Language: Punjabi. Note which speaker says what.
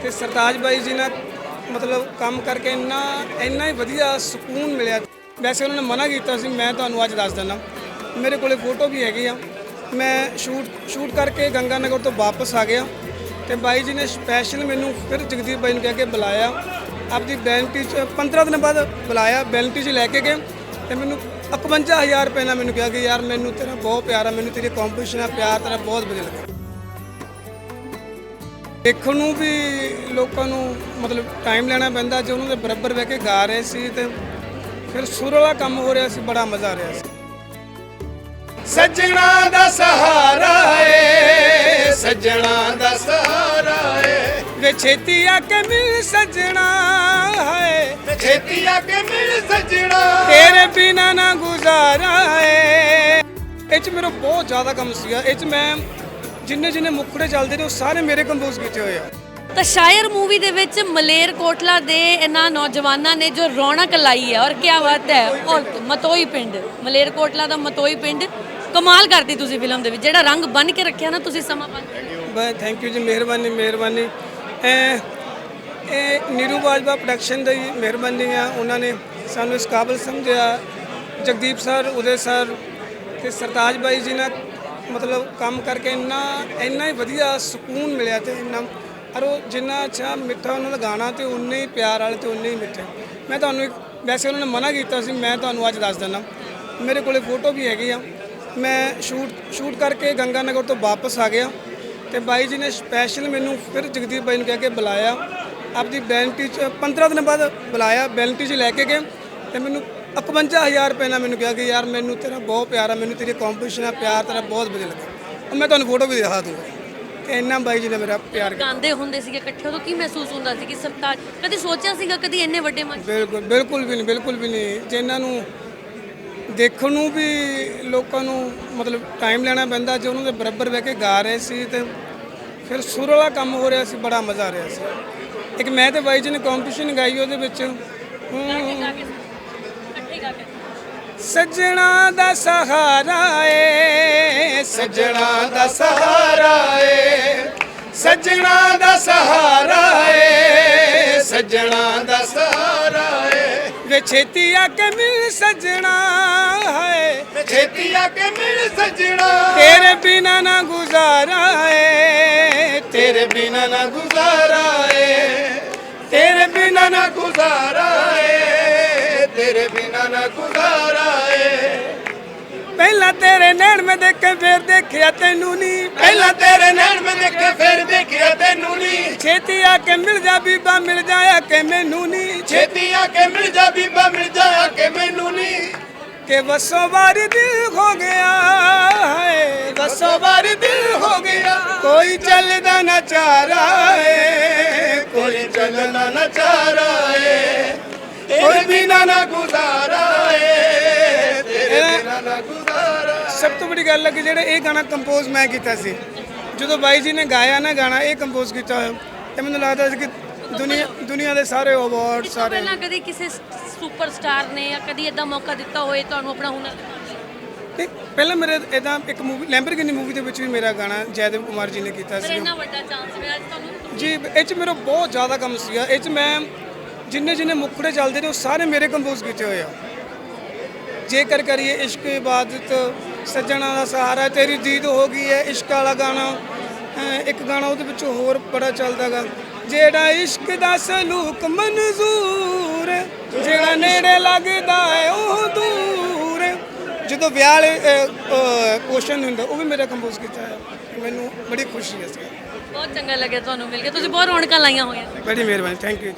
Speaker 1: ਤੇ ਸਰਤਾਜ ਬਾਈ ਜੀ ਨਾਲ ਮਤਲਬ ਕੰਮ ਕਰਕੇ ਇੰਨਾ ਹੀ ਵਧੀਆ ਸਕੂਨ ਮਿਲਿਆ। ਵੈਸੇ ਉਹਨਾਂ ਨੇ ਮਨਾ ਕੀਤਾ ਸੀ, ਮੈਂ ਤੁਹਾਨੂੰ ਅੱਜ ਦੱਸ ਦਿੰਦਾ। ਮੇਰੇ ਕੋਲੇ ਫੋਟੋ ਵੀ ਹੈਗੀ ਆ। ਮੈਂ ਸ਼ੂਟ ਕਰਕੇ ਗੰਗਾ ਨਗਰ ਤੋਂ ਵਾਪਸ ਆ ਗਿਆ ਤੇ ਬਾਈ ਜੀ ਨੇ ਸਪੈਸ਼ਲ ਮੈਨੂੰ ਫਿਰ ਜਗਦੀਪ ਬਾਈ ਨੂੰ ਕਹਿ ਕੇ ਬੁਲਾਇਆ। ਆਪਦੀ ਬੈਲਟੀ 'ਚ 15 ਦਿਨ ਬਾਅਦ ਬੁਲਾਇਆ, ਬੈਲਟੀ 'ਚ ਲੈ ਕੇ ਗਏ ਤੇ ਮੈਨੂੰ 51,000 ਰੁਪਏ ਨਾਲ ਮੈਨੂੰ ਕਿਹਾ ਕਿ ਯਾਰ ਮੈਨੂੰ ਤੇਰਾ ਬਹੁਤ ਪਿਆਰ ਆ, ਮੈਨੂੰ ਤੇਰੀ ਕੰਪੀਟੀਸ਼ਨ ਆ, ਪਿਆਰ ਤੇਰਾ ਬਹੁਤ ਵਧੀਆ ਲੱਗਾ। ਦੇਖਣ ਨੂੰ ਵੀ ਲੋਕਾਂ ਨੂੰ ਮਤਲਬ ਟਾਈਮ ਲੈਣਾ ਪੈਂਦਾ, ਜੇ ਉਹਨਾਂ ਦੇ ਬਰਾਬਰ ਬਹਿ ਕੇ ਗਾ ਰਹੇ ਸੀ ਤੇ ਫਿਰ ਸੁਰ ਵਾਲਾ ਕੰਮ ਹੋ ਰਿਹਾ ਸੀ, ਬੜਾ ਮਜ਼ਾ ਆ ਰਿਹਾ ਸੀ।
Speaker 2: ਸੱਜਣਾ ਦਾ ਸਹਾਰਾ ਏ, ਸੱਜਣਾ ਦਾ ਸਹਾਰਾ ਏ,
Speaker 1: ਵੇ ਛੇਤੀ ਆ ਕੇ ਮਿਲ ਸੱਜਣਾ ਹੈ,
Speaker 2: ਛੇਤੀ ਆ ਕੇ ਮਿਲ ਸੱਜਣਾ,
Speaker 1: ਤੇਰੇ ਬਿਨਾ ਨਾ ਗੁਜ਼ਾਰਾ ਏ। ਇਹ 'ਚ ਮੇਰਾ ਬਹੁਤ ਜ਼ਿਆਦਾ ਕੰਮ ਸੀਗਾ। ਇਹ 'ਚ ਮੈਂ ਜਿੰਨੇ ਮੁਖੜੇ ਚੱਲਦੇ ਨੇ ਉਹ ਸਾਰੇ ਮੇਰੇ ਕੰਪੋਜ਼ ਕੀਤੇ ਹੋਏ ਆ।
Speaker 3: ਤਾਂ ਸ਼ਾਇਰ ਮੂਵੀ ਦੇ ਵਿੱਚ ਮਲੇਰਕੋਟਲਾ ਦੇ ਇਹਨਾਂ ਨੌਜਵਾਨਾਂ ਨੇ ਜੋ ਰੌਣਕ ਲਾਈ ਹੈ, ਔਰ ਕੀ ਬਾਤ ਹੈ। ਔਰ ਮਤੋਈ ਪਿੰਡ, ਮਲੇਰਕੋਟਲਾ ਦਾ ਮਤੋਈ ਪਿੰਡ ਕਮਾਲ ਕਰਦੀ ਤੁਸੀਂ ਫਿਲਮ ਦੇ ਵਿੱਚ, ਜਿਹੜਾ ਰੰਗ ਬਣ ਕੇ ਰੱਖਿਆ ਨਾ ਤੁਸੀਂ ਸਮਾਂ ਬਣ ਕੇ।
Speaker 1: ਬਸ ਥੈਂਕ ਯੂ ਜੀ, ਮਿਹਰਬਾਨੀ। ਇਹ ਨੀਰੂ ਬਾਜਵਾ ਪ੍ਰੋਡਕਸ਼ਨ ਦੀ ਮਿਹਰਬਾਨੀ ਆ, ਉਹਨਾਂ ਨੇ ਸਾਨੂੰ ਇਸ ਕਾਬਲ ਸਮਝਿਆ। ਜਗਦੀਪ ਸਰ, ਉਦੇ ਸਰ ਤੇ ਸਰਤਾਜ ਬਾਈ ਜੀ ਨਾਲ ਮਤਲਬ ਕੰਮ ਕਰਕੇ ਇੰਨਾ ਹੀ ਵਧੀਆ ਸਕੂਨ ਮਿਲਿਆ ਤੇ ਇੰਨਾ ਔਰ ਉਹ ਜਿੰਨਾ ਅੱਛਾ ਮਿੱਠਾ ਉਹਨਾਂ ਦਾ ਗਾਣਾ ਤੇ ਉਨੇ ਹੀ ਪਿਆਰ ਵਾਲੇ ਤੇ ਉਨੇ ਹੀ ਮਿੱਠੇ। ਮੈਂ ਤੁਹਾਨੂੰ ਵੈਸੇ ਉਹਨਾਂ ਨੇ ਮਨਾ ਕੀਤਾ ਸੀ, ਮੈਂ ਤੁਹਾਨੂੰ ਅੱਜ ਦੱਸ ਦਿੰਦਾ। ਮੇਰੇ ਕੋਲੇ ਫੋਟੋ ਵੀ ਹੈਗੀ ਆ। ਮੈਂ ਸ਼ੂਟ ਕਰਕੇ ਗੰਗਾ ਨਗਰ ਤੋਂ ਵਾਪਸ ਆ ਗਿਆ ਤੇ ਬਾਈ ਜੀ ਨੇ ਸਪੈਸ਼ਲ ਮੈਨੂੰ ਫਿਰ ਜਗਦੀਪ ਬਾਈ ਨੂੰ ਕਹਿ ਕੇ ਬੁਲਾਇਆ। ਆਪਦੀ ਬੈਲਟੀ 'ਚ 15 ਦਿਨ ਬਾਅਦ ਬੁਲਾਇਆ, ਬੈਲਟੀ 'ਚ ਲੈ ਕੇ ਗਏ ਤੇ ਮੈਨੂੰ 51,000 ਰੁਪਏ ਨਾਲ ਮੈਨੂੰ ਕਿਹਾ ਕਿ ਯਾਰ ਮੈਨੂੰ ਤੇਰਾ ਬਹੁਤ ਪਿਆਰ ਆ, ਮੈਨੂੰ ਤੇਰੀ ਕੰਪੀਟੀਸ਼ਨ ਆ, ਪਿਆਰ ਤੇਰਾ ਬਹੁਤ ਵਧੀਆ ਲੱਗਾ। ਮੈਂ ਤੁਹਾਨੂੰ ਫੋਟੋ ਵੀ ਦਿਖਾ ਦੂੰਗਾ ਕਿ ਇੰਨਾ ਬਾਈ ਜੀ ਨੇ ਮੇਰਾ ਪਿਆਰ ਕੀਤਾ।
Speaker 3: ਗਾਉਂਦੇ ਹੁੰਦੇ ਸੀਗੇ ਇਕੱਠੇ, ਉਦੋਂ ਕੀ ਮਹਿਸੂਸ ਹੁੰਦਾ ਸੀ ਕਿ ਸਰਤਾਜ ਕਦੀ ਸੋਚਿਆ ਸੀਗਾ ਕਦੀ ਇੰਨੇ ਵੱਡੇ ਮੰਚ?
Speaker 1: ਬਿਲਕੁਲ ਵੀ ਨਹੀਂ। ਜਿਨ੍ਹਾਂ ਨੂੰ ਦੇਖਣ ਨੂੰ ਵੀ ਲੋਕਾਂ ਨੂੰ ਮਤਲਬ ਟਾਈਮ ਲੈਣਾ ਪੈਂਦਾ, ਜੇ ਉਹਨਾਂ ਦੇ ਬਰਾਬਰ ਬਹਿ ਕੇ ਗਾ ਰਹੇ ਸੀ ਤੇ ਫਿਰ ਸੁਰ ਵਾਲਾ ਕੰਮ ਹੋ ਰਿਹਾ ਸੀ, ਬੜਾ ਮਜ਼ਾ ਆ ਰਿਹਾ ਸੀ। ਇੱਕ ਮੈਂ ਤੇ ਬਾਈ ਜੀ ਨੇ ਕੰਪੀਟੀਸ਼ਨ ਗਾਈ, ਉਹਦੇ ਵਿੱਚ ਸੱਜਣਾ ਦਾ ਸਹਾਰਾ ਏ,
Speaker 2: ਸੱਜਣਾ ਦਾ ਸਹਾਰਾ ਏ, ਸੱਜਣਾ ਦਾ ਸਹਾਰਾ ਏ, ਸੱਜਣਾ ਦਾ ਸਹਾਰਾ ਏ,
Speaker 1: ਵੇ ਛੇਤੀ ਆ ਕੇ ਮਿਲ ਸੱਜਣਾ ਹੈ,
Speaker 2: ਛੇਤੀ ਆ ਕੇ ਮਿਲ ਸੱਜਣਾ,
Speaker 1: ਤੇਰੇ ਬਿਨਾ ਨਾ ਗੁਜ਼ਾਰਾ ਏ,
Speaker 2: ਤੇਰੇ ਬਿਨਾ ਨਾ ਗੁਜ਼ਾਰਾ ਏ, ਤੇਰੇ ਬਿਨਾ ਨਾ ਗੁਜ਼ਾਰਾ ਏ, ਤੇਰੇ ਬਿਨਾ ਨਾ ਗੁਜ਼ਾਰਾ ਏ।
Speaker 1: ਪਹਿਲਾਂ ਤੇਰੇ ਨੈਣ ਮੈਂ ਦੇਖੇ ਫਿਰ ਦੇਖਿਆ ਤੈਨੂੰ ਨਹੀਂ,
Speaker 2: ਪਹਿਲਾਂ ਤੇਰੇ ਨੈਣ ਮੈਂ ਦੇਖੇ ਫਿਰ ਦੇਖਿਆ ਤੈਨੂੰ ਨਹੀਂ,
Speaker 1: ਛੇਤੀ ਆ ਕੇ ਮਿਲ ਜਾ ਬੀਬਾ, ਮਿਲ ਜਾਇਆ ਕਿ ਮੈਨੂੰ ਨਹੀਂ,
Speaker 2: ਛੇਤੀ ਆ ਕੇ ਮਿਲ ਜਾ ਬੀਬਾ, ਮਿਲ ਜਾ ਕੇ ਮੈਨੂੰ ਨਹੀਂ,
Speaker 1: ਕਿ ਬਸੋਂ ਵਾਰੀ ਦਿਲ ਹੋ ਗਿਆ ਹੈ,
Speaker 2: ਬਸੋਂ ਵਾਰੀ ਦਿਲ ਹੋ ਗਿਆ,
Speaker 1: ਕੋਈ ਚੱਲਦਾ ਨਾ ਚਾਰਾ ਏ,
Speaker 2: ਕੋਈ ਚੱਲਣਾ ਨਾ ਚਾਰਾ ਏ, ਤੇਰੇ ਬਿਨਾ ਨਾ ਗੁਜ਼ਾਰਾ ਏ, ਤੇਰੇ ਬਿਨਾ ਨਾ ਗੁਜ਼ਾਰਾ।
Speaker 1: ਸਭ ਤੋਂ ਵੱਡੀ ਗੱਲ ਹੈ ਕਿ ਜਿਹੜੇ ਇਹ ਗਾਣਾ ਕੰਪੋਜ਼ ਮੈਂ ਕੀਤਾ ਸੀ, ਜਦੋਂ ਬਾਈ ਜੀ ਨੇ ਗਾਇਆ ਨਾ ਗਾਣਾ, ਇਹ ਕੰਪੋਜ਼ ਕੀਤਾ ਹੋਇਆ, ਤੇ ਮੈਨੂੰ ਲੱਗਦਾ ਸੀ ਕਿ ਦੁਨੀਆ ਦੇ ਸਾਰੇ ਅਵਾਰਡ ਸਾਰੇ।
Speaker 3: ਪਹਿਲਾਂ ਕਦੀ ਕਿਸੇ ਸੁਪਰਸਟਾਰ ਨੇ ਜਾਂ ਕਦੀ ਇਦਾਂ ਮੌਕਾ ਦਿੱਤਾ ਹੋਏ ਤੁਹਾਨੂੰ ਆਪਣਾ ਹੁਨਰ ਦਿਖਾਉਣ ਲਈ?
Speaker 1: ਨਹੀਂ, ਪਹਿਲਾਂ ਮੇਰੇ ਇਦਾਂ ਇੱਕ ਮੂਵੀ ਲੈਂਬਰਗਿਨੀ ਮੂਵੀ ਦੇ ਵਿੱਚ ਵੀ ਮੇਰਾ ਗਾਣਾ ਜੈਦੇਵ ਕੁਮਾਰ ਜੀ ਨੇ ਕੀਤਾ
Speaker 3: ਪਰ
Speaker 1: ਸੀ
Speaker 3: ਇੰਨਾ ਵੱਡਾ ਚਾਂਸ ਮਿਲਿਆ ਅੱਜ ਤੁਹਾਨੂੰ
Speaker 1: ਜੀ। ਇਹ 'ਚ ਮੇਰਾ ਬਹੁਤ ਜ਼ਿਆਦਾ ਕੰਮ ਸੀਗਾ। ਇਹ 'ਚ ਮੈਂ ਜਿੰਨੇ ਮੁਖੜੇ ਚੱਲਦੇ ਨੇ ਉਹ ਸਾਰੇ ਮੇਰੇ ਕੰਪੋਜ਼ ਕੀਤੇ ਹੋਏ ਆ। ਜੇਕਰ ਕਰੀਏ ਇਸ਼ਕ ਇਬਾਦਤ, ਸੱਜਣਾ ਦਾ ਸਹਾਰਾ, ਤੇਰੀ ਦੀਦ ਹੋ ਗਈ ਹੈ, ਇਸ਼ਕ ਵਾਲਾ ਗਾਣਾ। ਇੱਕ ਗਾਣਾ ਉਹਦੇ ਵਿੱਚੋਂ ਹੋਰ ਬੜਾ ਚੱਲਦਾ ਗਾ, ਜਿਹੜਾ ਇਸ਼ਕ ਦਾ ਸਲੂਕ ਮਨਜ਼ੂਰ, ਜਿਹੜਾ ਨੇੜੇ ਲੱਗਦਾ ਹੈ ਉਹ ਦੂਰ। ਜਦੋਂ ਵਿਆਹ ਵਾਲੇ ਕੁਐਸਚਨ ਹੁੰਦਾ, ਉਹ ਵੀ ਮੇਰਾ ਕੰਪੋਜ਼ ਕੀਤਾ ਹੈ। ਮੈਨੂੰ ਬੜੀ ਖੁਸ਼ੀ ਹੈ ਇਸ ਗੱਲ।
Speaker 3: ਬਹੁਤ ਚੰਗਾ ਲੱਗਿਆ ਤੁਹਾਨੂੰ ਮਿਲ ਕੇ, ਤੁਸੀਂ ਬਹੁਤ ਰੌਣਕਾਂ ਲਾਈਆਂ ਹੋਈਆਂ।
Speaker 1: ਬੜੀ ਮਿਹਰਬਾਨੀ, ਥੈਂਕ ਯੂ।